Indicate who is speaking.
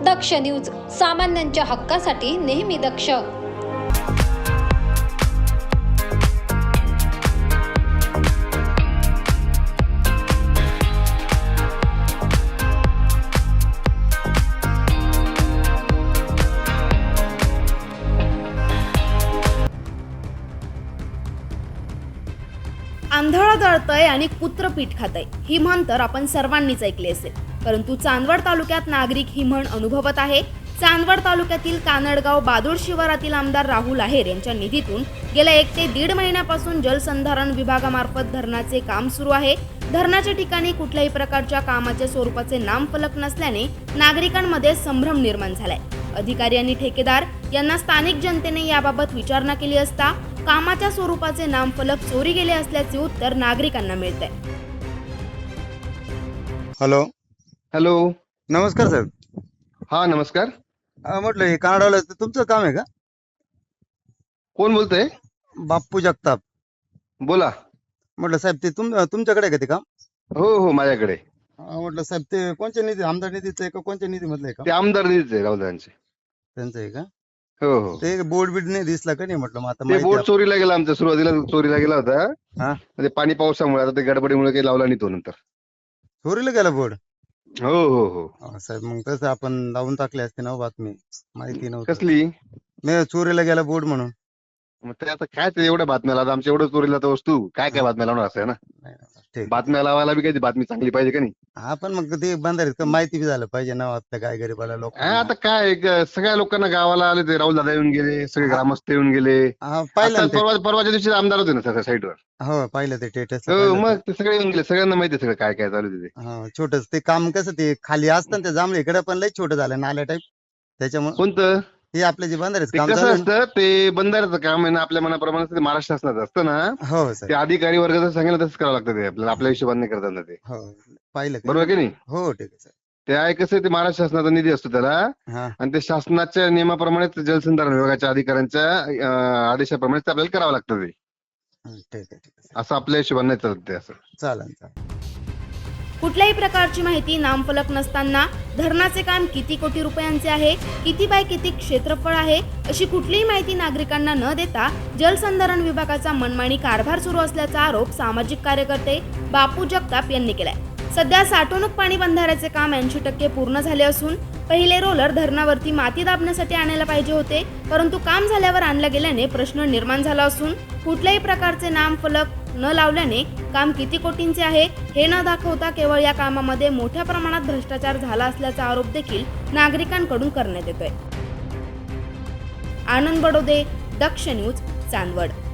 Speaker 1: दक्ष news, सामान्यांच्या हक्कासाठी नेहमी दक्ष.
Speaker 2: आंधळं दळतंय आणि कुत्र पीठ खातंय ही म्हण तर आपण सर्वांनीच ऐकली असेल, परंतु चांदवड तालुक्यात नागरिक ही म्हण अनुभवत आहे. चांदवड तालुक्यातील कानडगाव बादूड शिवारातील आमदार राहुल आहेर यांच्या निधीतून गेल्या 1 ते 1.5 महिन्यापासून जलसंधारण विभागामार्फत धरणाचे काम सुरू आहे. धरणाच्या ठिकाणी कुठल्याही प्रकारच्या कामाच्या स्वरूपाचे नामफलक नसल्याने नागरिकांमध्ये संभ्रम निर्माण झालाय. अधिकारी आणि ठेकेदार यांना स्थानिक जनतेने याबाबत विचारणा केली असता कामाच्या स्वरूपाचे नामफलक चोरी गेले असल्याचे उत्तर नागरिकांना मिळते.
Speaker 3: Hello
Speaker 4: hello.
Speaker 3: नमस्कार साहेब.
Speaker 4: हा नमस्कार.
Speaker 3: म्हटलं हे कानडाला तुमचं काम आहे का?
Speaker 4: कोण बोलतंय?
Speaker 3: बाप्पू जगताप.
Speaker 4: बोला.
Speaker 3: म्हटलं साहेब ते तुमच्याकडे आहे का ते काम?
Speaker 4: हो हो माझ्याकडे.
Speaker 3: म्हटलं साहेब ते कोणत्या निधी, आमदार निधीचं आहे का कोणत्या निधी मधलं आहे का?
Speaker 4: ते आमदार निधीच आहे राऊतांचे.
Speaker 3: त्यांचं आहे का?
Speaker 4: हो हो.
Speaker 3: ते बोर्ड बीड नाही दिसला का नाही म्हटलं. मग आता
Speaker 4: ते
Speaker 3: माहिती
Speaker 4: बोर्ड चोरीला गेला, आमच्या सुरुवातीला चोरीला गेला होता.
Speaker 3: हा?
Speaker 4: ते पाणी पावसामुळे आता ते गडबडीमुळे काही लावला नाही तो नंतर.
Speaker 3: चोरीला गेला बोर्ड?
Speaker 4: हो हो हो.
Speaker 3: साहेब मग तसं आपण लावून टाकले असते ना बातमी, माहिती नव्हती.
Speaker 4: कसली?
Speaker 3: नाही चोरीला गेला बोर्ड म्हणून.
Speaker 4: मग ते आता काय ते एवढ्या बातम्या लावतात, आमच्या एवढं चोरीला तर वस्तू काय काय बातम्या लावणार असं आहे ना.
Speaker 3: नाही, ठीक.
Speaker 4: बातम्या लावायला बी काही बातमी चांगली पाहिजे का नाही.
Speaker 3: हा पण मग ते बंधारीत माहिती बी झालं पाहिजे ना आपल्या काय गरीबाला लोक.
Speaker 4: आता काय सगळ्या लोकांना गावाला आले, ते राहुल दादा येऊन गेले, सगळे ग्रामस्थ येऊन गेले.
Speaker 3: पाहिलं
Speaker 4: आता
Speaker 3: ना ते.
Speaker 4: परवाच्या दिवशी आमदार होते ना सगळ्या साईडवर.
Speaker 3: हो पाहिलं ते स्टेटस.
Speaker 4: हो मग ते सगळे येऊन गेले, सगळ्यांना माहिती आहे सगळं काय काय चालू आहे तिथे.
Speaker 3: हा छोटच ते काम कसं ते खाली असतं ना, ते जांभळे इकडे पण लय छोटं झालं नाल्या टाईप. त्याच्यामुळे
Speaker 4: कोणतं
Speaker 3: हे आपले जे बंधारेच
Speaker 4: ते
Speaker 3: काम
Speaker 4: कसं
Speaker 3: चालू
Speaker 4: असतं, ते बंधाऱ्याचं काम आहे ना, आपल्या मनाप्रमाणे ते महाराष्ट्र शासनाचं असतं ना.
Speaker 3: आहे. हो
Speaker 4: ते
Speaker 3: सर.
Speaker 4: अधिकारी वर्गाचं सांगितलं तसंच करावं लागतं, ते आपल्याला आपल्या हिशोबाने नाही करतात ना ते.
Speaker 3: हो पाहिलं का?
Speaker 4: बरोबर की नाही?
Speaker 3: हो ठीक आहे सर.
Speaker 4: ते आहे कसं, ते महाराष्ट्र शासनाचा निधी असतो त्याला,
Speaker 3: हा
Speaker 4: आणि ते शासनाच्या नियमाप्रमाणे जलसंधारण विभागाच्या अधिकाऱ्यांच्या आदेशाप्रमाणे ते आपल्याला करावं लागतं ते.
Speaker 3: ठीक आहे ठीक आहे
Speaker 4: असं आपल्या हिशोबाने नाही चालत ते असं.
Speaker 3: चालेल चालेल.
Speaker 2: कुठल्याही प्रकारची माहिती नामफलक नसताना धरणाचे काम किती कोटी रुपयांचे आहे, किती बाय किती क्षेत्रफळ आहे, अशी कुठलीही माहिती नागरिकांना न देता जलसंधारण विभागाचा मनमानी कारभार सुरू असल्याचा आरोप सामाजिक कार्यकर्ते बापू जगताप यांनी केलाय. सध्या साठवणूक पाणी बंधाऱ्याचे काम 80% पूर्ण झाले असून पहिले रोलर धरणावरती माती दाबण्यासाठी आणायला पाहिजे होते, परंतु काम झाल्यावर आणलं गेल्याने प्रश्न निर्माण झाला असून कुठल्याही प्रकारचे नामफलक न लावल्याने काम किती कोटींचे आहे हे न दाखवता केवळ या कामामध्ये मोठ्या प्रमाणात भ्रष्टाचार झाला असल्याचा आरोप देखील नागरिकांकडून करण्यात येतोय. आनंद बडोदे, दक्ष न्यूज, चांदवड.